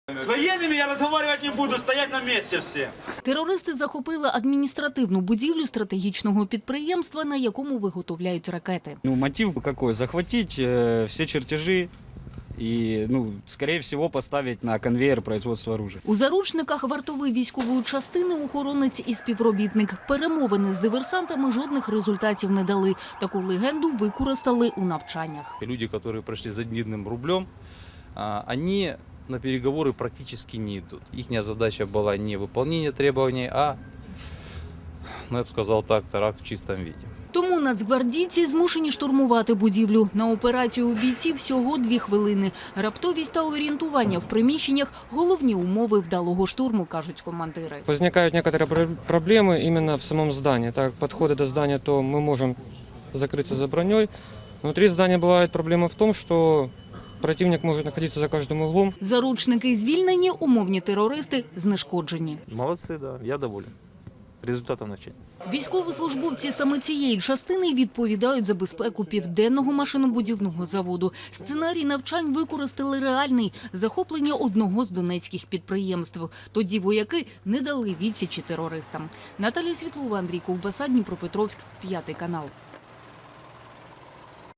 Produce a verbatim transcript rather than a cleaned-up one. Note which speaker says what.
Speaker 1: С военными я разговаривать не буду, стоять на месте все.
Speaker 2: Терористи захопили адміністративну будівлю стратегічного підприємства, на якому виготовляють ракети.
Speaker 3: Ну, мотив какой? Захватить э, все чертежи и, ну, скорее всего, поставить на конвейер производства оружия.
Speaker 2: У заручниках вартовий військової частини, охоронець і співробітник. Перемовини з диверсантами жодних результатів не дали. Таку легенду використали у навчаннях.
Speaker 4: Люди, которые прошли за дневным рублем, они на переговоры практически не идут. Их задача была не выполнение требований, а, ну, я бы сказал так, теракт в чистом виде.
Speaker 2: Тому нацгвардійці змушені штурмувати будівлю. На операцію у бійців всього дві хвилини. Раптовість та орієнтування в приміщеннях – головні умови вдалого штурму, кажуть командири.
Speaker 5: Возникают некоторые проблемы именно в самом здании. Так, подходы до здания, то мы можем закрыться за броней. Внутри здания бывает проблема в том, что противник может находиться за каждым углом.
Speaker 2: Заручники звільнені, умовні терористи знешкоджені.
Speaker 4: Молодцы, да, я доволен. Результатом навчання.
Speaker 2: Військовослужбовці саме цієї частини відповідають за безпеку південного машинобудівного заводу. Сценарій навчань використали реальний – захоплення одного з донецьких підприємств. Тоді вояки не дали відсічі терористам. Наталія Світлова, Андрій Ковбаса, Дніпропетровськ, п'ятий канал.